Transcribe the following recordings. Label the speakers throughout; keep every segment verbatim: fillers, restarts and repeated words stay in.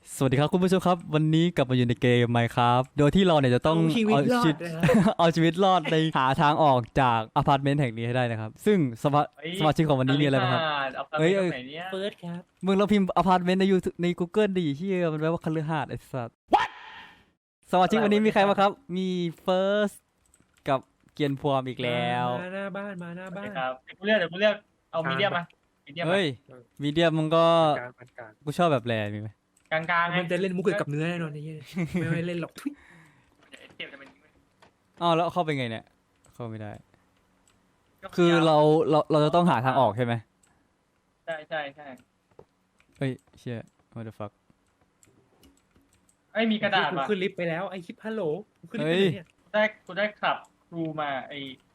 Speaker 1: สวัสดีครับคุณผู้ชมครับวันนี้กลับมาอยู่ในเกม Minecraft โดยที่เราเนี่ยจะต้อง
Speaker 2: เอาชีวิต
Speaker 1: เอา
Speaker 2: รอ
Speaker 1: ชีวิ
Speaker 2: ด
Speaker 1: ต
Speaker 2: นะครับ
Speaker 1: เอาชีวิตรอดในหาทางออกจากอพาร์ตเมนต์แห่งนี้ให้ได้นะครับซึ่งสมา
Speaker 3: เฮ้ย
Speaker 1: สมาชิกของวันนี้มีอะไรบ้างครับ
Speaker 3: เอาไป
Speaker 1: เอ้ย
Speaker 3: ตรงไหนเนี่ย
Speaker 2: เฟิร์สครับ
Speaker 1: มึงเราพิมพ์อพาร์ตเมนต์ในยูใน Google ดิเฮียมันแปลว่าคฤหาสน์ไอ้สัสสมาชิกวันนี้มีใครบ้างครับ มีเฟิร์สกับเกียนพวมอีกแล้ว
Speaker 2: มาหน้าบ้านมาหน้า
Speaker 3: โอ
Speaker 2: บ้า
Speaker 3: เคน ครับเดี๋ยวกูเลือกเดี๋ยวกูเลือกเอามีเดียมมามีเดียม
Speaker 1: เฮ้ยมีเดียมมึงก็
Speaker 2: กลางปานกลาง
Speaker 1: กูชอบแบบแรมีไหม
Speaker 3: กลางกลางๆไง
Speaker 2: มันจะเล่นมุกเกี่ยวกับเนื้อแน่นอนนี่ไม่ไม่เล่นหรอกทุย
Speaker 3: เดี๋ยวเทียบจะเป็น
Speaker 1: อ้าวแล้วเข้าไปไงเนี่ยเข้าไม่ได้ คือเราเราเราจะต้องหาทางออกใช่ไหม
Speaker 3: ใช่ใช่ใช่
Speaker 1: เฮ้ยเชี่ย what the fuck
Speaker 3: ไอ้ยมีกระดาษ
Speaker 2: กู
Speaker 3: มา
Speaker 2: ขึ้นลิฟต์ไปแล้วไอคลิปฮัลโหลกูขึ้นลิฟต์ไปไหนเนี่ย
Speaker 3: ได้กูได้ขับครูมาไอ้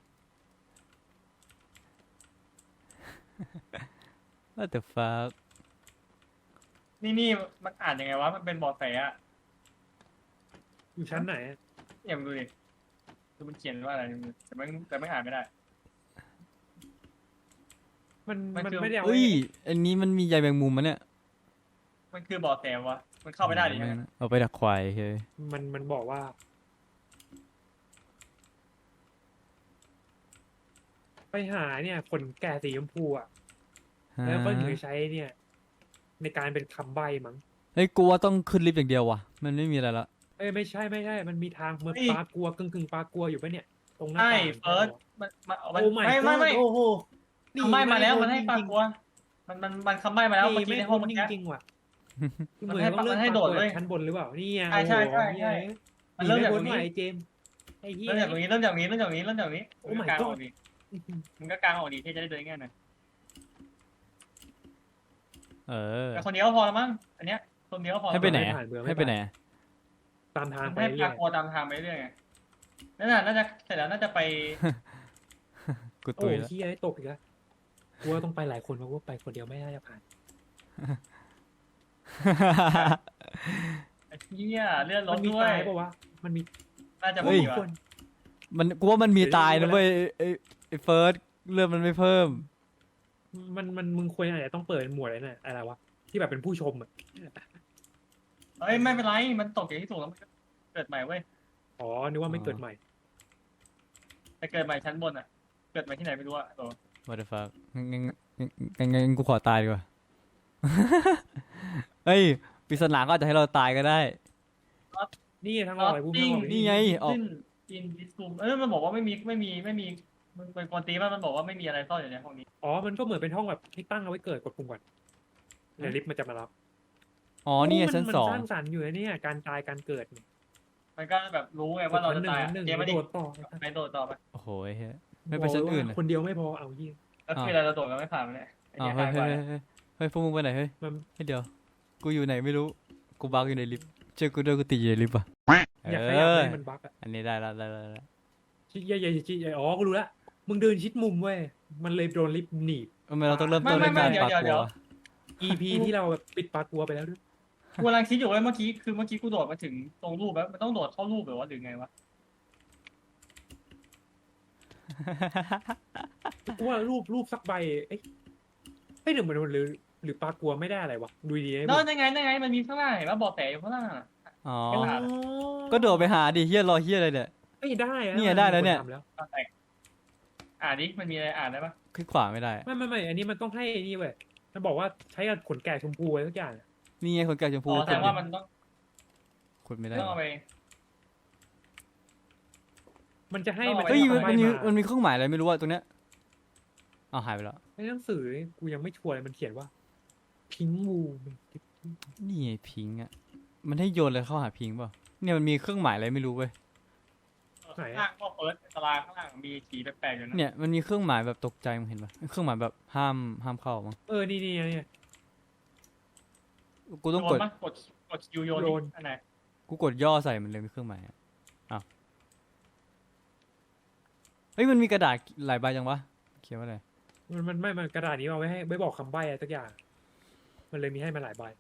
Speaker 1: what the fuck
Speaker 3: นี่นี่มันอ่านยังไงวะมันเป็นเบอแสอะ
Speaker 2: อยู่ชั้นไหนอะ
Speaker 3: เนี่ยมึงดูดิคือมันเขียนว่าอะไรแต่ไม่แต่ไม่อ่านไม่ได้
Speaker 2: มัน
Speaker 3: มัน
Speaker 2: มัน
Speaker 3: คือ
Speaker 2: ไม่ได้เอา
Speaker 1: เฮ้
Speaker 2: ไว้
Speaker 1: ย อันนี้มันมีใยแมงมุมมันเนี่ย
Speaker 3: มันคือเบอแสวะมันเข้าไม่ได้ดิ
Speaker 1: ม่งเอาไปดักควายเฮ้ย
Speaker 2: มันมันบอกว่า ไปหาเนี่ยขนแก่สีชมพูอ่ะแล้วก็ถึงจะใช้เนี่ย ในการเป็นคำใบ้มั้ง
Speaker 1: เฮ้ยกูว่าต้องขึ้นลิฟต์อย่างเดียวว่ะ มันไม่มีอะไรละ
Speaker 2: เอ้ยไม่ใช่ไม่ใช่ มันมีทางเหมือนปลากลัวกึ่งกึ่งปลากลัวอยู่ปะเนี่ย ตรงหน้า
Speaker 3: ใช่
Speaker 2: ต่าง
Speaker 3: เฟิร์สมันมัน
Speaker 2: โอ้
Speaker 3: ไม่ไม่ไม่
Speaker 2: โอ้โห
Speaker 3: คำใบ้มาแล้วมันให้
Speaker 2: จริงๆ
Speaker 3: ปากกลัวมันมันมันคำใบ้มาแล้วเมื่อกี้
Speaker 2: ไม่
Speaker 3: ในห้อง
Speaker 2: พ้
Speaker 3: เมื่
Speaker 2: น
Speaker 3: อ
Speaker 2: จ
Speaker 3: กี้
Speaker 2: ริงๆว่ะ
Speaker 3: มัน
Speaker 2: เหมือน
Speaker 3: ให้
Speaker 2: ต้องเริ่ม
Speaker 3: มันให้โดดเว้ย
Speaker 2: ชั้นบนหรือเปล่านี่ไง
Speaker 3: ใช่ใช่ใช่ใช่
Speaker 2: โอ้โห
Speaker 3: มันเริ่มจากตรงนี้
Speaker 2: หใหม่เจมส์ไอ้เหี้ย
Speaker 3: เริ่มจากตรงนี้เริ่มจากตรงนี้เริ่มจากตรงนี้เริ่มจากตรงนี้
Speaker 2: โอ้
Speaker 3: มึง
Speaker 2: my
Speaker 3: ก็กางอ
Speaker 2: god
Speaker 3: อกดิมึงก็กางออกดิที่จะได้เดินง่ายหน่อย
Speaker 1: เออ
Speaker 3: แต่คนเดียวก็พอแล้วมั้งอันเนี้ยคนเดียวก็พอ
Speaker 1: ให้ไปไหน
Speaker 3: แล้ว
Speaker 1: อะ
Speaker 2: ผ่านเบื่อไม่
Speaker 1: ให้ไปไหน
Speaker 2: ผ่าน
Speaker 1: อะ
Speaker 2: ตามทาง
Speaker 3: มัน
Speaker 2: ไป
Speaker 3: ให้
Speaker 2: เรื่
Speaker 3: พา
Speaker 2: อย
Speaker 3: โคตามทางไปเรื่อยไงนั่นน่ะน่าจะเสร็จแล้วน่าจะไป
Speaker 1: กู
Speaker 2: โอ้
Speaker 1: ตุย
Speaker 2: ย
Speaker 1: แล้ว
Speaker 2: เหี้ยตกอีกแล้วกูว่าต้องไปหลายคนเพราะว่าไปคนเดียวไม่น่าจะผ่าน
Speaker 3: ไอ้เหี้ยเลื่อนร
Speaker 2: มั
Speaker 3: ถ
Speaker 2: นมี
Speaker 3: ด้วย
Speaker 2: ตายปะวะมันมี
Speaker 3: น่าจะ
Speaker 2: โอ้
Speaker 3: ไม่
Speaker 2: ย
Speaker 3: มี
Speaker 2: ค
Speaker 3: ว่ะ
Speaker 2: น
Speaker 1: มันกูว่ามันมีตายนะเว้ยไอ้ไอ้เฟิร์สเรื่องมันไม่เพิ่ม
Speaker 2: มันมันมึงควรอาจจะต้องเปิดหมวดอะไรน่ะอะไรวะที่แบบเป็นผู้ชมอ่ะ
Speaker 3: เฮ้ยไม่เป็นไรมันตกอย่างที่ถูกแล้วมันก็เกิดใหม่เว้ย
Speaker 2: อ๋อนึกว่าไม่เกิดใหม่
Speaker 3: แต่เกิดใหม่ชั้นบนอ่ะ เกิดใหม่ที่ไหนไม่รู้อ่ะตัว
Speaker 1: what the fuck งั้นงั้นงั้นงั้นงั้นกูขอตายดีกว่า เฮ้ยปริศนาก็อาจจะให้เราตายก็ได้
Speaker 2: นี่ทางออกไอ้พวกทางออก
Speaker 1: นี่ไงออก
Speaker 3: อินดิสคูมเอ้ยมันบอกว่าไม่มีไม่มีไม่มีมันเป็นคนตีมันมันบอกว่าไม่มีอะไรซ่อนอยู่ในห้องนี้
Speaker 2: อ๋อมันก็เหมือนเป็นห้องแบบให้ตั้งเอาไว้เกิดกดปุ่มก่อนเดี๋ยวลิฟต์มันจะมารับ
Speaker 1: อ๋อนี่ไง
Speaker 2: มั
Speaker 1: ชั้น
Speaker 2: มั
Speaker 1: สอง
Speaker 2: สร้างสรรค์อยู่นะเนี่ยการตายการเกิดเนี่ย
Speaker 3: มันก็แบบรู้ไงว่าเราจะตาย
Speaker 2: หนึ่ง
Speaker 3: เกม
Speaker 2: ห
Speaker 3: ไม่
Speaker 2: นึ่ง
Speaker 3: ได้
Speaker 2: โดดต่อ
Speaker 3: ไปโดดต่อไป
Speaker 1: โอ้โหเฮ้ยไม่ไปชั้นอื่น
Speaker 2: บก
Speaker 1: อะ
Speaker 2: ว่าคนเดียวไม่พอเอายี่
Speaker 3: แล้วคือเราจะโดดกันไม่ผ่านมันเลยไอ้
Speaker 1: อ้าว
Speaker 3: เหี้ย
Speaker 1: เฮ้ย
Speaker 3: หาย
Speaker 1: เฮ้
Speaker 3: ไป
Speaker 1: ยเฮ้ยเฮ้ยพวกมึงไปไหนเฮ้ย
Speaker 2: มัน
Speaker 1: เฮ้ยเดี๋ยวกูอยู่ไหนไม่รู้กูบักอยู่ในลิฟต์เจอกูด้วยกูติดอยู่ในลิฟต์อ่ะ
Speaker 2: อยาก
Speaker 1: เอ
Speaker 2: ขยับ
Speaker 1: อ
Speaker 2: ให้มันบั๊กอะ
Speaker 1: อันนี้ได้ละได้ละได้ละ
Speaker 2: ชิใหญ่ใหญ่ชิใหญ่อ๋อกูรู้ละมึงเดินชิดมุมเว้ยมันเลยโดนลิฟต์หนีบ
Speaker 1: ทำไมเราต้องเริ่มต้นด้วยการปากกลัว
Speaker 2: อี พี ที่เราแบบปิดปากกลัวไปแล้วด้วย
Speaker 3: กูกำลังคิดอยู่ว่าเมื่อกี้คือเมื่อกี้กูโดดมาถึงตรงรูปแล้วมันต้องโดดเข้ารูปหรือว่าหรือไงวะ
Speaker 2: กูว่ารูปรูปสักใบเอ้ยเอ้ยหรือมันหรือหรือปากกลัวไม่ได้อะไรวะดูดีๆ
Speaker 3: แล้วยังไงยังไงมันมีข้างล่างเห็นว่าบอกแต่อยู่ข้างล่างอะ
Speaker 1: อ๋อ
Speaker 3: ไม่
Speaker 2: อ๋อ
Speaker 3: ผ่าน
Speaker 1: ก็โดดไปหาดิเฮียรอเฮียอะไรเนี่ย
Speaker 2: เอ้ยได้อะ
Speaker 1: เนี่ยได้แล้วเนี่ย
Speaker 2: มัมีคทำแล้ว
Speaker 3: เอาแต่อ่านดิมันมีอะไรอ่านได้ปะ
Speaker 1: คลิกขวาไม่ได้
Speaker 2: ไม่ไม่ไม่อันนี้มันต้องให้นี่เว้ยมันบอกว่าใช้กับขนแกะชมพูอะไรสักอย่างอะ
Speaker 1: นี่ไงคนแก่ชมพู
Speaker 3: อ๋อแสดงว่ามันต้อง
Speaker 1: ขุดไม่ได้
Speaker 3: ต้องเอาไป
Speaker 2: มันจะให้
Speaker 3: ต้อง
Speaker 2: มัน
Speaker 3: เอา
Speaker 1: เฮ้ย
Speaker 2: จะ
Speaker 1: มัน
Speaker 2: ให้
Speaker 1: มันมี
Speaker 2: มา
Speaker 1: มันมีเครื่องหมายอะไรไม่รู้อะตรงเนี้ยอ้าวหายไปแล้ว
Speaker 2: ในหนังสือกูยังไม่ชัวร์เลยมันเขียนว่าพิงวู
Speaker 1: นี่ไงพิงค์อะมันให้โยนอะไรเข้าหาพิงค์เปล่าเนี่ยมันมีเครื่องหมายอะไรไม่รู้เว้ย
Speaker 3: ข้างล่างพวกเฟิร์สตารางข้างล่างมีสีแปลกๆอยู่นะ
Speaker 1: เนี่ยมันมีเครื่องหมายแบบตกใจมึงเห็นปะเครื่องหมายแบบห้ามห้ามเข้ามั้ง
Speaker 2: เออนี่นี่นี่
Speaker 1: กูต้องกด
Speaker 3: โยนปะกดกดคิวโยน
Speaker 2: โยน
Speaker 3: ดิอันไหน
Speaker 1: กูกดย่อใส่มันเลยมีเครื่องหมายอะอ้าวเฮ้ยมันมีกระดาษหลายใบจังวะเขียนว่าอะไร
Speaker 2: มันมันไม่มันกระดาษนี้เอาไว้ให้ไว้บอกคำใบ้อะไรสักอย่าง มันเลยมีให้มาหลายใบ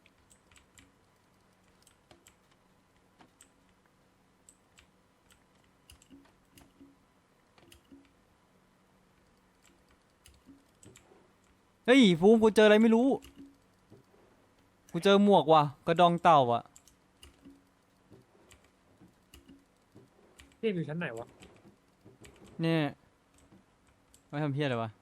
Speaker 1: เฮ้ยภูมิกูเจออะไรไม่รู้กูเจอหมวกว่ะกระดองเต่าอ่ะ
Speaker 2: เรียกอยู่ชั้นไหนวะ
Speaker 1: เนี่ยไม่ทำเพี้ยอะไรวะ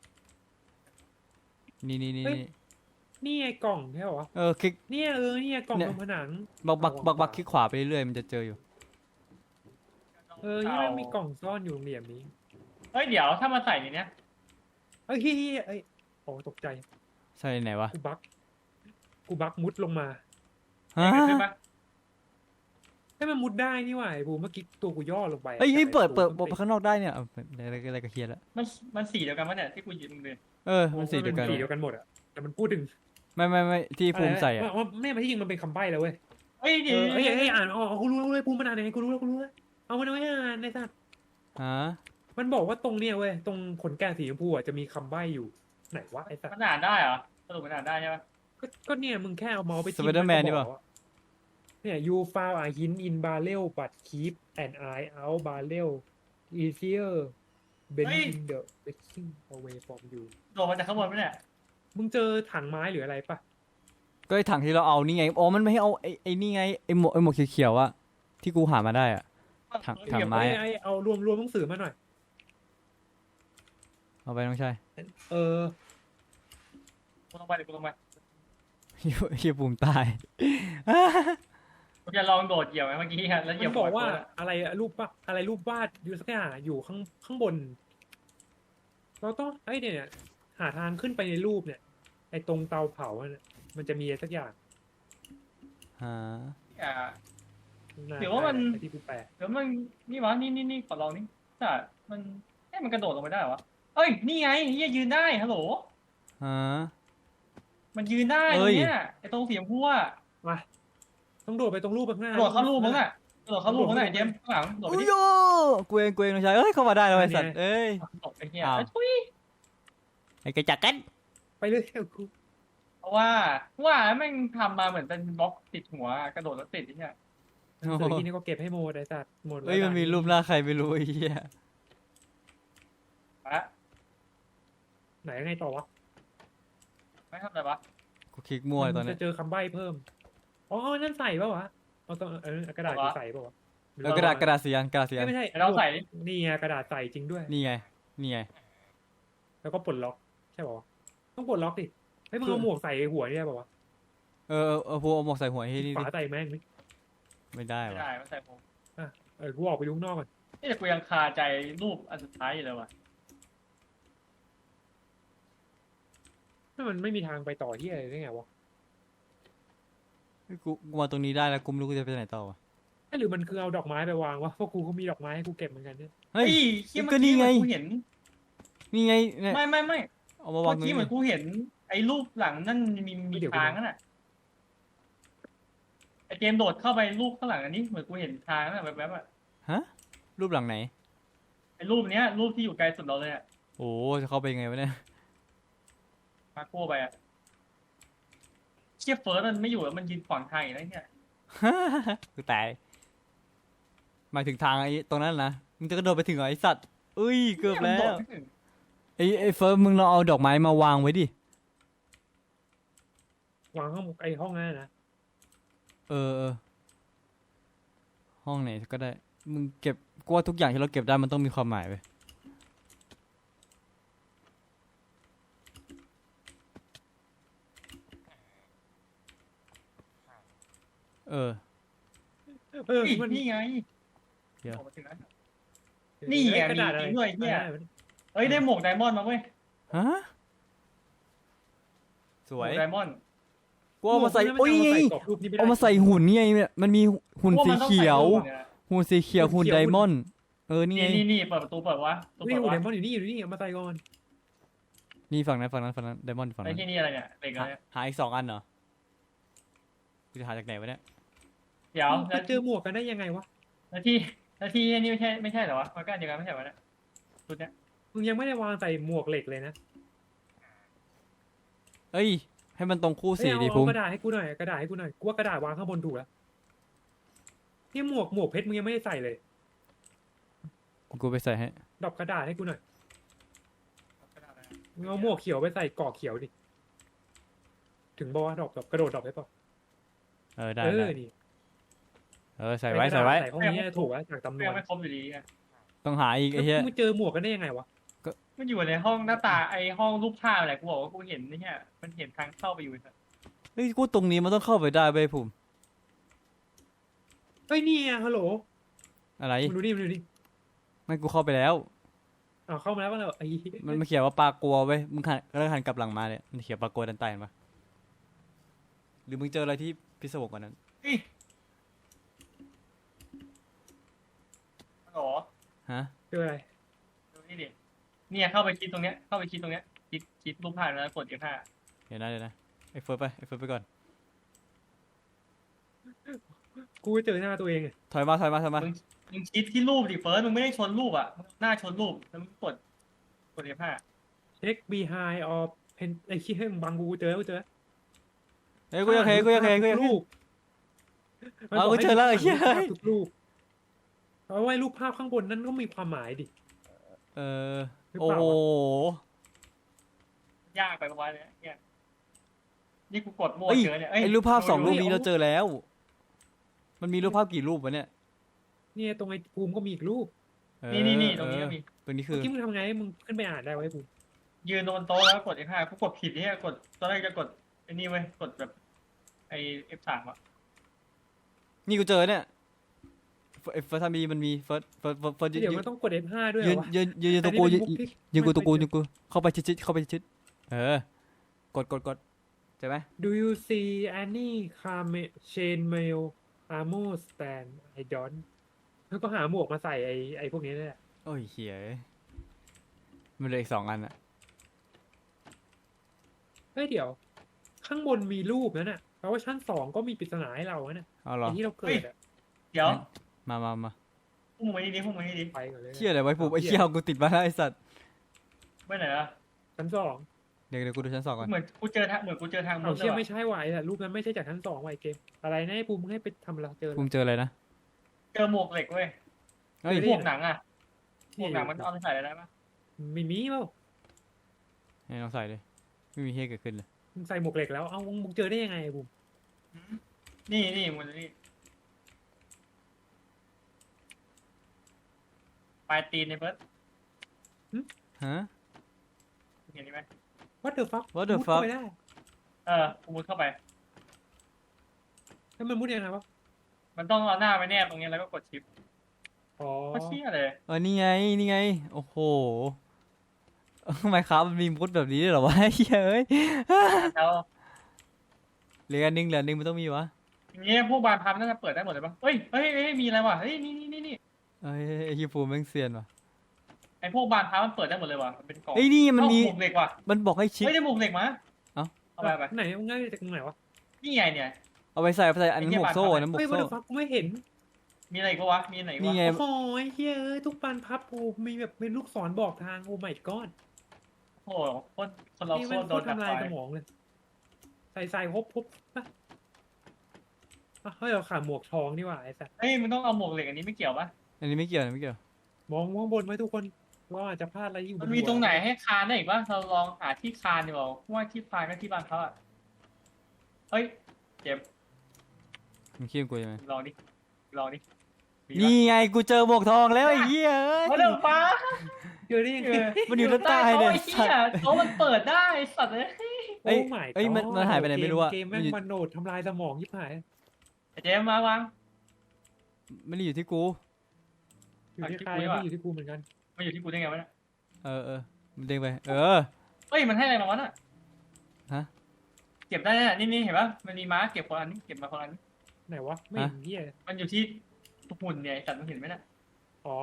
Speaker 1: นี่นี่นี่นี่
Speaker 2: นี่ไงกล่องใช่ปะวะ
Speaker 1: เออคลิก
Speaker 2: เนี่ยเออเนี่ยกล่อง
Speaker 1: เนี่ย
Speaker 2: ตรงผนัง
Speaker 1: บักบักบักบักคลิกขวาไปเรื่อยๆมันจะเจออยู่
Speaker 2: เออนี่มันมีกล่องซ่อนอยู่เหลี่ยมนี้
Speaker 3: เฮ้ยเดี๋ยวถ้ามาใส่ในเนี้ย
Speaker 2: เอ้ยเฮ้ยเฮ้ยเอ้ยโอ้ตกใจ
Speaker 1: ใช่ไหนวะ
Speaker 2: กูบักกูบักมุดลงมา
Speaker 1: ฮะ
Speaker 3: ใช่ปะ
Speaker 2: ให้มันมุดได้นี่หว่าไอ้บูมเมื่อกี้ตัวกูย่อลงไป
Speaker 1: เฮ้ยเฮ้ย
Speaker 2: แต่
Speaker 1: เปิดเปิด
Speaker 2: ตัว
Speaker 1: เปิดไปข้างนอกได้เนี่ยเอาอะไรอะไรก็เคลียร์แล้ว
Speaker 3: มันมันสีเดียวกันปะเนี่ยที่กูหยิบมึงเลย
Speaker 1: เออมันสีเดียวกัน
Speaker 2: สีเดียวกันหมดอะแต่มันพูดถึง
Speaker 1: ไม่ไม่ไม่ที่ภูมิใส่อ่ะ
Speaker 2: ว่าไม่มาที่จริงมันเป็นคำใบ้แล้วเว้ย
Speaker 3: เฮ้ย
Speaker 2: เอ
Speaker 3: เดี๋ยว
Speaker 2: อเฮ้ยเฮ้ยอ่านอ๋อกูรู้แล้วเว้ยภูมิมันอ่านยังไงกูรู้แล้วกูรู้แล้วเอามันเอาไว้อ่านในสัตว์
Speaker 1: ฮะ
Speaker 2: มันบอกว่าตรงเนี้ยเว้ยตรงขนแกะสีชมพูอะจะมีคำใบ้อยู่ไหนวะไอ้สัตว์
Speaker 3: มันอ่านได้เหรอสรุปมันอ่านได้ใช่ปะ
Speaker 2: ก็ก็เนี่ยมึงแค่เอาเมาส์ไป
Speaker 1: สไปเดอร์แมนนี่
Speaker 2: บ
Speaker 1: ป่ะ
Speaker 2: อกว่าเนี่ย you found a hint in barrel but keep an eye out barrel easier bending the baking away from you
Speaker 3: โดดมาจากข้างบนปะเนี่ย
Speaker 2: มึงเจอถังไม้หรืออะไรปะ
Speaker 1: ก็ไอ้ถังที่เราเอานี่ไงอ๋อมันไม่ให้เอาไอ้ไอ้นี่ไงไอ้หมวกไอ้หมวกเขียวๆอะที่กูหามาได้อะ ถังถัง
Speaker 2: เก็บ
Speaker 1: ไม้
Speaker 2: ไว้
Speaker 1: อะ
Speaker 2: ไอ้เอารวมรวมหนังสือมาหน่อย
Speaker 1: เอาไปน้องชาย
Speaker 2: เออ
Speaker 3: กูลงไปเดี๋ยวกูลงไป
Speaker 1: เฮียภูมิตาย
Speaker 3: กูจะลองโดดเหยียบไหมเมื่อกี้อะแล้วเหยี
Speaker 2: มั
Speaker 3: ยบ
Speaker 2: นบอกว่า
Speaker 3: หักูะ
Speaker 2: อะไรอะรูปปะอะไรรูปวาดอยู่สักอย่างอยู่ข้างข้างบน เราต้องไอ้เนี่ยหาทางขึ้นไปในรูปเนี่ยไอ้ตรงเตาเผาอะเนี่ยมันจะมีอะไรสักอย่าง
Speaker 1: ฮะ
Speaker 3: อ่า
Speaker 2: น่
Speaker 3: เดี๋ยวว่ามัน
Speaker 2: ไอ้ที่กูแปล
Speaker 3: เดี๋ยวมันนี่วะนี่นี่นี่ขอลองนี่แต่มันเอ้ยมันกระโดดลงไปได้เหรอวะเอ้ยนี่ไงเฮียยืนได้ฮัลโหล
Speaker 1: ฮะ
Speaker 3: มันยืนได้
Speaker 1: เอ้
Speaker 3: ตร
Speaker 1: ย
Speaker 3: งเนี้ยไอ้ตรงเสียงพัวอะ
Speaker 2: มาต้องโดดไปตรงรูปข้างหน้าก
Speaker 3: ระโดดเข้ารูปมั้งน่ะกระโดดเข้ารูปมั้งน่ะไอ้เจมส์ข้างหลังโดดไป
Speaker 1: อุ้ย
Speaker 3: ดิ
Speaker 1: โยกูเองกูเองน้องชายเอ้ยเข้ามาได้แล้วไอ้สัตว์เอ้ย
Speaker 3: โดดไอ้เหี้ย
Speaker 1: อ้าว
Speaker 3: ไอ้ทุย
Speaker 1: ไอ้กระจักกัน
Speaker 2: ไปเลยกู
Speaker 3: เพราะว่าว่าแม่งทำมาเหมือนเป็นบล็อกติดหัวกระโดดแล้วติดไอ้เนี่ย
Speaker 2: หนังสือที่นี่ก็เก็บให้หมดไอ้สัตว์หมดแล้ว
Speaker 1: เอ้ยมันมีรูปหน้าใครไม่รู้ไอ้เหี้ย
Speaker 3: มาละ
Speaker 2: ไหนยังไงต่อวะ
Speaker 3: ไม่ทำอะไรวะ
Speaker 1: กูคลิกมั่วเลยตอน
Speaker 2: มั
Speaker 1: เนี้
Speaker 2: จะ
Speaker 1: ย
Speaker 2: เจอคำใบ้เพิ่มอ๋อนั่นใส่ปะวะเอาต้องเออกระดาษกูใส่ปะวะ
Speaker 1: แล้วกระดาษกระดาษสีอันกระดาษสีอั
Speaker 2: เอ้ย
Speaker 1: น
Speaker 2: ไม่ใช่
Speaker 3: เดี๋ยวเราใส่ดิ
Speaker 2: นี่ไงกระดาษใส่จริงด้วย
Speaker 1: นี่ไงนี่ไง
Speaker 2: แล้วก็ปลดล็อกใช่ปะวะต้องปลดล็อกดิเฮ้ยมึงเอาหมวกใส่หัวนี่ได้ปะวะ
Speaker 1: เออเออเออพวกเอาหมวกใส่หัวให้นี่
Speaker 2: ฝา
Speaker 1: ดิ
Speaker 2: ใส่แม่งดิ
Speaker 1: ไม่ได้
Speaker 3: ไม่
Speaker 1: วะ
Speaker 3: ได้ไม่ใส่ผม
Speaker 2: เออกูออกไปดูข้างนอกก่อน
Speaker 3: นี่แต่กูยังคาใจรูปอันสุดท้ายอยู่เลยว่ะ
Speaker 2: ถ้ามันไม่มีทางไปต่อที่อะไรได้ไงวะ
Speaker 1: เฮ้ยกูกูมาตรงนี้ได้แล้วกูไม่รู้กูจะไปไหนต่อวะ
Speaker 2: เอ้ยหรือมันคือเอาดอกไม้ไปวางวะเพราะกูก็มีดอกไม้ให้กูเก็บเหมือนกันเนี่ย
Speaker 1: เฮ้ย
Speaker 3: เฮ้ย
Speaker 1: ก็นี่ไง
Speaker 3: เมื่อกี้เหมือนกูเห็น
Speaker 1: นี่ไงเนี่ย
Speaker 3: ไม่ไม่ไม่
Speaker 1: เอามาวาง
Speaker 3: เมื่อ
Speaker 1: ตรง
Speaker 3: กี้
Speaker 1: นี้
Speaker 3: เหมือนกูเห็น ไอ้รูปหลังนั่นมีมีทางนั่นน่ะไอ้เจมส์โดดเข้าไปรูปข้างหลังอันนี้เหมือนกูเห็นทางนั่นน่ะแวบๆอ่ะ
Speaker 1: ฮะรูปหลังไหน
Speaker 3: ไอ้รูปเนี้ย รูปที่อยู่ไกลสุดเราเลยอ่ะ
Speaker 1: โอ้จะเข้าไปยังไงวะเนี่ย
Speaker 3: มาโก้ไปอ่ะเชี่ยเฟิร์สมันไม่อยู่แล้วมันยืนขวางทางอย่างไรเนี่ย
Speaker 1: กูตายหมายถึงทางไอ้ตรงนั้นนะมึงจะกระโดดไปถึงเหรอไอ้สัตว์อุ้ยเกือบแล้
Speaker 3: นี่ยมันโด
Speaker 1: ว
Speaker 3: ดไม่ถึง
Speaker 1: ไอ้ไอ้เฟิร์สมึงลองเอาดอกไม้มาวางไว้ดิ
Speaker 2: วางห้องไอ้ห้องนั้นนะ
Speaker 1: เออเออห้องไหนก็ได้ มึงเก็บกูว่าทุกอย่างที่เราเก็บได้มันต้องมีความหมายไปเออ
Speaker 2: เออ
Speaker 3: นี่
Speaker 2: มัน
Speaker 3: นี่ไง
Speaker 1: เดี๋ยว
Speaker 3: ออกมาถึงแล้ว นี่ไง
Speaker 2: กระดาษอะไร
Speaker 3: มีจริงด้วยเนี่ย
Speaker 2: อะไรวะ
Speaker 3: เฮ้ยได้หมวกไดมอนด์มาเว้ย
Speaker 1: ฮะส
Speaker 3: หม
Speaker 1: ว
Speaker 3: วย กไดมอนด์
Speaker 1: กูเอามาใส่
Speaker 2: หวก
Speaker 1: โอ้ย
Speaker 2: นั้นมันเอามาใส่กรอบรูปนี้ไม่ได้
Speaker 1: เอามาใส่หุ่นนี่ไงเนี่ยมันมีหุ่น
Speaker 3: พวก
Speaker 1: สี
Speaker 3: มันต้อง
Speaker 1: เขียว
Speaker 3: ใส่รูปเนี่ย
Speaker 1: หุ่นสีเขียวหุ่นไดมอนด์เออนี่ไง
Speaker 3: นี่นี่นี่เปิดประตูเปิดวะประตู
Speaker 2: นี่
Speaker 3: เปิด
Speaker 2: หุ่น
Speaker 3: วะ
Speaker 2: ไดมอนด์อยู่นี่อยู่นี่เอามาใส่ก่อน
Speaker 1: นี่ฝั่งนั้นฝั่งนั้นฝั่งนั้นไดมอนด์ฝั่ง
Speaker 3: ไอ้
Speaker 1: นั้น
Speaker 3: ที่นี่อะไรเนี่ยเหล็กอะไร
Speaker 1: หา
Speaker 3: เนี่ย
Speaker 1: หาอีกสองอันเหรอกูจะหาจากไหนวะเนี่ย
Speaker 3: เดี๋ยว
Speaker 2: ไปเจอหมวกกันได้ยังไงวะ
Speaker 3: แล้วที่แล้วที่นี่ไม่ใช่ไม่ใช่เหรอวะมันก็อันเดียวกันไม่ใช่เหรอวะเนี่ยชุดเนี้ย
Speaker 2: มึงยังไม่ได้วางใส่หมวกเหล็กเลยนะ
Speaker 1: เอ้ยให้มันตรงคู่
Speaker 2: เอ้ย
Speaker 1: สี
Speaker 2: เอา
Speaker 1: ดิ
Speaker 2: เอา
Speaker 1: ภูมิ
Speaker 2: กระดาษให้กูหน่อยกระดาษให้กูหน่อยกูว่ากระดาษวางข้างบนถูกแล้วนี่หมวกหมวกเพชรมึงยังไม่ได้ใส่เลย
Speaker 1: กูไปใส่ให้
Speaker 2: ดอกกระดาษให้กูหน่อยมึงเอาหมวกเขียวไปใส่กรอกเขียวดิถึงบอกว่าดรอปดรอปกระโดดดรอปได้ปะ
Speaker 1: เออได้
Speaker 2: เอ
Speaker 1: ได้
Speaker 2: อนี่
Speaker 1: เออใส่ไว้ใส่ไว้
Speaker 2: ใส่ห้องนี้ถูกแล้วจากจำน
Speaker 3: ยั
Speaker 2: วน
Speaker 3: งไม่ครบอยู่ดีไง
Speaker 1: ต้องหาอีก
Speaker 2: แล้
Speaker 1: ไอ้
Speaker 2: ว
Speaker 1: เหี้ย
Speaker 2: มึงเจอหมวกกันได้ยังไงวะ
Speaker 3: มันอยู่ในห้องหน้าตาไอห้องรูปภาพอะไรกูบอกว่ากูเห็นนี่เนี่ยมันเห็นทางเข้าไปอยู่สัตว์
Speaker 1: เฮ้ยกูตรงนี้มันต้องเข้าไปได้เว้ยภูมิ
Speaker 2: เฮ้ยนี่ไงฮัลโหล
Speaker 1: อะไร
Speaker 2: มึงดูดิมึงดูดิ
Speaker 1: ไม่กูเข้าไปแล้ว
Speaker 2: อ้าวเข้ามาแล้วก็เลยไอ้
Speaker 1: มันมันเขียนว่าปลากลัวเว้ยมึงหันแล้วหันกลับหลังมาเนี่ยมันเขียนปลากลัวดันใต้เห็นปะหรือมึงเจออะไรที่พิศวงกว่านั้น
Speaker 3: เฮ้ยฮัลโหล
Speaker 1: ฮะ
Speaker 2: เจออะไร
Speaker 3: ดูนี่ดิเนี่ยเข้าไปคลิดตรงเนี้ยเข้าไปคลิดตรงเนี้ยคลิดคลิดรูปภาพแล้วกด เอฟ ห้า
Speaker 1: เดี๋ยวนะเดี๋ยวนะไอ้เฟิร์สไปไอ้เฟิร์สไปก่อน
Speaker 2: กูเจอหน้าตัวเองอะ
Speaker 1: ถอยมาถอยมาถอยมา
Speaker 3: มึงมึงคลิดที่รูปดิเฟิร์สมึงไม่ได้ชนรูปอ่ะมึงหน้าชนรูปแล้วมึงกดกด เอฟ ห้า
Speaker 2: เช็ค behind of pen ไอ้ขี้ให้มึงบังกูกูเจอแล้วกูเจอแล้ว
Speaker 1: เฮ้ยกูอยากเห็นกูอยากเห็นกูอยากเห็น
Speaker 2: รูป
Speaker 1: เอากูเจอแล้วไอ้เหี้ย
Speaker 2: มันบอกให้ทุกรูปเอาไว้รูปภาพข้างบนนั้นก็มีความหมายดิ
Speaker 1: เออ
Speaker 2: หรือ
Speaker 1: โอ้
Speaker 2: เปล่า
Speaker 1: โห
Speaker 3: ยากไปประมาณเนี้ยเนี่ยนี่กูกดมั่ว
Speaker 1: เอ้ย
Speaker 3: เจอเนี่ย
Speaker 1: ไอ้รูปภาพสองรูป
Speaker 2: เฮ้ย
Speaker 1: นี้
Speaker 2: เอา
Speaker 1: เราเจอแล้ว มันมีรูปภาพกี่รูปวะเนี่ย
Speaker 2: เนี่ยตรงไอ้ภูมิก็มีอีกรูป
Speaker 1: เออ
Speaker 3: นี่นี่นี่ตรงนี้ก็มี
Speaker 1: เออตรงนี้คื
Speaker 2: เมื่
Speaker 1: อ
Speaker 2: อกี้มึงทำไงให้มึงขึ้นไปอ่านได้ไว้ภูมิ
Speaker 3: ยืนบนโต๊ะแล้วกด เอฟ ห้า กูกดผิดเนี่ยกดตอนแรกจะกดไอ้นี่เว้ยกดแบบไอ้ เอฟ สาม อ่ะ
Speaker 1: นี่กูเจอเนี่ยไอ้เฟิร์สทามีมันมีเฟิร์สเฟิร์สเฟิร์สเฟิร์สยืน
Speaker 2: เดี๋ยวมันต้องกด เอฟ ห้า ด้วยเหร
Speaker 1: ยื
Speaker 2: อน วะ
Speaker 1: ยืนยืนยืนตรงกูยืนยืนกูตรงกูยืนกูเข้าไปชิดๆเข้าไปชิดๆเออกดกดกดใช่ไหม
Speaker 2: Do you see any car chain mail armor stand I don't แล้วก็หาหมวกมาใส่ไอ้ไอ้พวกนี้นี่แหละ
Speaker 1: โอ้ยเหี้ยมันเหลืออีกสองอันอะ
Speaker 2: เฮ้ยเดี๋ยว ข้างบนมีรูปนั่นน่ะแปลว่าชั้นสองก็มีปริศนาให้เราอะนะ
Speaker 1: เอาเหรอ
Speaker 2: ไอ้ที่เราเกิดอะ
Speaker 3: เดี๋ยว
Speaker 1: มามามา
Speaker 3: พุ่งมานี่ดิพุ่งมานี่ดิ
Speaker 2: ไปก่อนเลยนะ
Speaker 1: เชี่ยอะไรไว้ปุ๊บไอ้เชี่ยเอากูติดมาแล้วไอ้สัตว์
Speaker 3: ไปไหนอ่ะ
Speaker 2: ชั้นสอง
Speaker 1: เดี๋ยวเดี๋ยวกูดูชั้นสองก่อน
Speaker 3: เหมือนกูเจอทางเหมือนกูเจอทางมุ
Speaker 2: เอา
Speaker 3: ดเล
Speaker 2: เชี่
Speaker 3: ย
Speaker 2: ย
Speaker 3: ว่ะ
Speaker 2: ไม่ใช่ว่ะไอ้สัตว์รูปนั้นไม่ใช่จากชั้นสองว่ะไอ้เกมอะไรนะไอ้ภูมิมึงให้ไปทำอะไรเจออะไร
Speaker 1: ภูมิเจออะไรนะ
Speaker 3: เจอหมวกเหล็กเว้ย
Speaker 1: เฮ้ย
Speaker 2: เจอ
Speaker 3: ห
Speaker 2: ดิ
Speaker 3: มวกหนังอ่ะหมวกหนังมันเอาไปใส่อะไรได้ปะ
Speaker 2: มีมีเปล่า
Speaker 1: ให้ลองใส่เลยไม่มีเฮียเกิดขึ้นเลย
Speaker 2: มึงใส่หมวกเหล็กแล้วเอามึงเจอได้ยังไงไอ้ภูมิ
Speaker 3: หืมนี่นี่มันนี่ปลายตีนในเบิร์ด
Speaker 1: ฮะ
Speaker 3: เห็นไหม
Speaker 2: What the fuck
Speaker 1: What the
Speaker 2: มุด
Speaker 1: fuck
Speaker 2: เข้าไปได้
Speaker 3: เออกูมุดเข้าไป
Speaker 2: แล้วมันมุดยังไงวะ
Speaker 3: มันต้องเอาหน้าไปแนบตรงนี้แล้วก็กดชิป
Speaker 2: อ๋อ
Speaker 3: ก็เชี่ยเลย
Speaker 1: เออนี่ไงนี่ไงโอ้โหทำไมครับมันมีมุดแบบนี้ด้วยเหรอวะเฮ้ยเอ้ย
Speaker 3: แล้ว
Speaker 1: เหลืออันหนึงเหลืออันหนึงมันต้องมีวะ
Speaker 3: อย่างเงี้ยพวกบานพับน่าจะเปิดได้หมดเลยปะเฮ้ยเฮ้ยเฮ้ยมีอะไรวะเฮ้ยนี่นี่นี่นี่
Speaker 1: เอ้ยไอ้ฮิวฟูแม่งเซียนว่ะ
Speaker 3: ไอพวกบานพับมันเปิดได้หมดเลยว่ะมันเป็นกล่อง
Speaker 1: เอ้ยนี่มันมี
Speaker 3: เอ้าหมวกเหล็กว่ะ
Speaker 1: มันบอกให้ชิด
Speaker 3: เฮ้ยได้หมวกเหล็กมา
Speaker 1: เอ้า
Speaker 3: เอาไปเอาไป
Speaker 2: ไหนมึงง่ายจากตรงไหนวะ
Speaker 3: นี่ไงเนี่ย
Speaker 1: เอาไปใส่เอาไปใส่อันนั้นหมวกโซ่อันนั้นหมว
Speaker 2: เฮ้ย
Speaker 1: ก
Speaker 2: What
Speaker 1: โซ่
Speaker 2: the fuck กูไม่เห็น
Speaker 3: มีอะไรอีก็วะมีอะไรอีก
Speaker 1: นี่
Speaker 3: วะ
Speaker 1: ไง
Speaker 2: โอ้ยเฮ้ยเอ้ยทุกปานพับโอ้มีแบบเป็นลูกศรบอกทางโอ้ my god
Speaker 3: โอ้โหคนคนเรา
Speaker 2: นี่
Speaker 3: โค
Speaker 2: มัน
Speaker 3: ตร
Speaker 2: โค
Speaker 3: โด
Speaker 2: ต
Speaker 3: น
Speaker 2: ร
Speaker 3: ดัก
Speaker 2: ทำ
Speaker 3: ไฟ
Speaker 2: ลายสมองเลย ใส่ใส่ฮบฮบปะอ่ะเฮ้ยเราขาดหมวกทองนี่หว่าไอ้สัส
Speaker 3: เฮ้ยมันต้องเอาหมวกเหล็กอันนี้ไม่เกี่ยวปะ
Speaker 1: อันนี้ไม่เกี่ยวอันนี้ไม่เกี่ยว
Speaker 2: มองข้างบนไว้ทุกคนว่าอาจจะพลาดอะไรอยู่บ
Speaker 3: มันมี
Speaker 2: หัว
Speaker 3: ตรงไหนให้คานได้อีกปะเราลองหาที่คานดีกว่าเพราะว่าที่คานก็ที่บ้านเขาอะเฮ้ยเจ็บ
Speaker 1: มึงคิดว่ากูยังไง
Speaker 3: ลองดิลองดิมีปะ
Speaker 1: นี่ไงกูเจอหมวกทองแล้วไอ้เหี้ยเอ้ย
Speaker 3: มาเร็วป้า
Speaker 2: เจอได้ยังไง
Speaker 1: มันอยู่ด้านใต้
Speaker 3: โต๊ะ
Speaker 1: เนี่ย
Speaker 3: ไอ้เหี้ยโต๊ะมันเปิดได้ไอ้สัตว์เลย
Speaker 1: เอ้ย
Speaker 2: โอ้ my
Speaker 1: เอ้ยมัน
Speaker 2: god
Speaker 1: มันหายไปไหนไม่รู้อะ
Speaker 2: เกม
Speaker 1: มั
Speaker 2: แม่
Speaker 1: น
Speaker 2: ง
Speaker 1: อยู่
Speaker 2: มันโนดทำลายสมองยิบหาย
Speaker 3: ไอ้เจมส์มาวาง
Speaker 1: ไม่ได้อยู่ที่กู
Speaker 2: อยู่ที่ใคร
Speaker 3: อ่ะคลิปกูดีกว่า
Speaker 2: ไม่อยู่ที่กูเหมือนกัน
Speaker 3: มาอยู่ที่กูได้ไงวะเนี่ย
Speaker 1: เออเออมันเด้งไปเออ
Speaker 3: เฮ้ยมันให้อะไรมาวะน่ะ
Speaker 1: ฮะ
Speaker 3: เก็บได้แน่นี่นี่เห็นปะมันมีม้าเก็บคนละอันนี้เก็บมาคนละอันนี้
Speaker 2: ไหนวะไม่เห็นเหี้ย
Speaker 3: มันอยู่ที่หุ่นเนี่ยไอ้สัตว์มันเห็นไหมน่ะ
Speaker 2: อ๋อ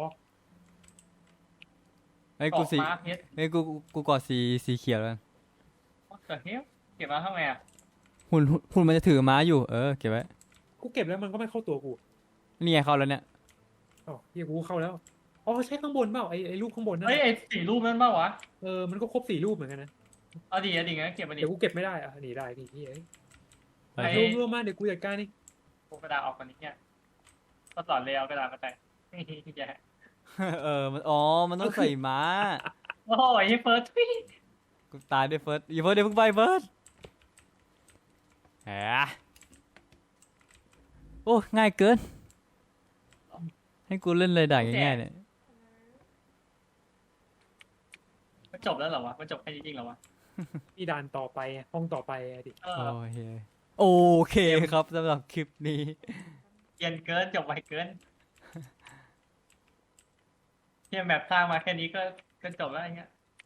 Speaker 1: ไอ้ย
Speaker 3: เกาะ
Speaker 1: กูสี
Speaker 3: ม้าเพชร
Speaker 1: ไอ้ยกูกูกูกอดสีสีเขียวแล้วกัน
Speaker 3: เกิดเฮ้ยเก็บมาทำไงอ่ะ
Speaker 1: หุ่นหุ่นหุ่นมันจะถือม้าอยู่เออเก็บไว้
Speaker 2: กูเก็บแล้วมันก็ไม่เข้าตัวกู
Speaker 1: นี่ไงเข้าแล้วเนี่ย
Speaker 2: อ๋อเหี้ยกูเข้าแล้วอ๋อใช่ข้างบนเปล่าไอ้ไอ้รูปข้างบนนั่น
Speaker 3: เฮ้ย
Speaker 2: น่ะ
Speaker 3: ไอ้สี่รูปนั้นเปล่าวะ
Speaker 2: เออมันก็ครบสี่รูปเหมือนกันนะ
Speaker 3: เอาดีเอาดีงั้นเก็บมาดิ
Speaker 2: เดี๋ยวกูเก็บไม่ได้อ่ะหนีได้ดิเหี้ย
Speaker 1: ไป
Speaker 3: ไอ้
Speaker 2: รวมรวมมาเดี๋ยวกูจัดการนี่
Speaker 3: กูกระดาษออกก่อนนี้เนี่ยก็สอนเลยเอากระดาษมาใส่แย่
Speaker 1: เออมันอ๋อมันต้องใส่ม้า
Speaker 3: โอ้ยเฟิร์สทุย
Speaker 1: กูตายด้วยเฟิร์สอย่าเฟิร์สเดี๋ยวเพิ่งไปเฟิร์สแหมโอ้ง่ายเกิน ให้กูเล่นเลยด่าง่ายๆเนี่ย
Speaker 3: มันจบแล้วเหรอวะมันจบแค่นี้จริงเหรอวะ
Speaker 2: มีด่านต่อไปห้องต่อไปอะดิ
Speaker 3: เออ
Speaker 1: โอเคโอเคครับสำหรับคลิปนี้
Speaker 3: เกรียนเกินจบไวเกินเทียมแบบสร้างมาแค่นี้ก็ก็จบแล้วอย่างเงี้ย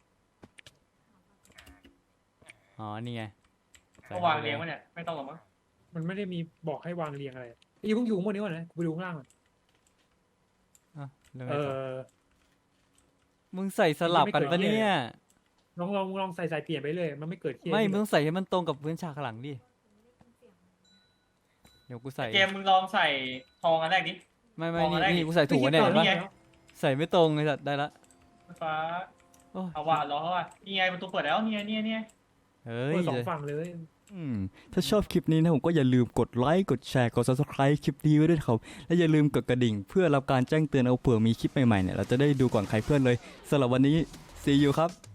Speaker 1: อ๋อนี่ไง
Speaker 3: ก็วางเรียงไว้เนี่ยไม่ต้องหรอกมั้ง
Speaker 2: มันไม่ได้มีบอกให้วางเรียงอะไรอยู่เพิ่งอยู่ข้างบนนี้ก่อนนะกูไปดูข้างล่างก่อน
Speaker 1: อ่ะแล้วไง
Speaker 2: เอ
Speaker 1: ต่อ
Speaker 2: อ
Speaker 1: มึงใส่สลับกันปะเนี่ย
Speaker 2: ลองลองลองใส่ใส่เปลี่ยนไปเลยมันไม่เกิดเครียด
Speaker 1: ไม่มึงต้องใส่ให้มันตรงกับพื้นฉากข้างหลังดิ เดี๋ยวกูใส่
Speaker 3: เกมมึงลองใส่ทองอันแรกดิ
Speaker 1: ไม่ไม่
Speaker 3: มอง
Speaker 1: นี่
Speaker 3: อะไร
Speaker 1: นี่กูใส่ถูกวะเนี่ย
Speaker 3: ไม่
Speaker 1: เห็น
Speaker 3: คิ
Speaker 1: ปะ
Speaker 3: ดก่อนนี่ไง
Speaker 1: ใส่ไม่ตรงไอ้สัตว์ได้ละ
Speaker 3: ฟ้า
Speaker 1: โอ้ย
Speaker 3: เอาว่ะรอเขาว่ะนี่ไงประตูเปิดแล้วนี่ไงนี่ไงนี่ไง
Speaker 1: เฮ้ย
Speaker 2: เปิดสองฝั่งเลย
Speaker 1: อืมถ้าชอบคลิปนี้นะผมก็อย่าลืมกดไลค์กดแชร์กด ซับสไครบ์ คลิปนี้ไว้ด้วยครับและอย่าลืมกดกระดิ่งเพื่อรับการแจ้งเตือนเอาเผื่อมีคลิปใหม่ๆเนี่ยเราจะได้ดูก่อนใครเพื่อนเลยสำหรับวันนี้ see you ครับ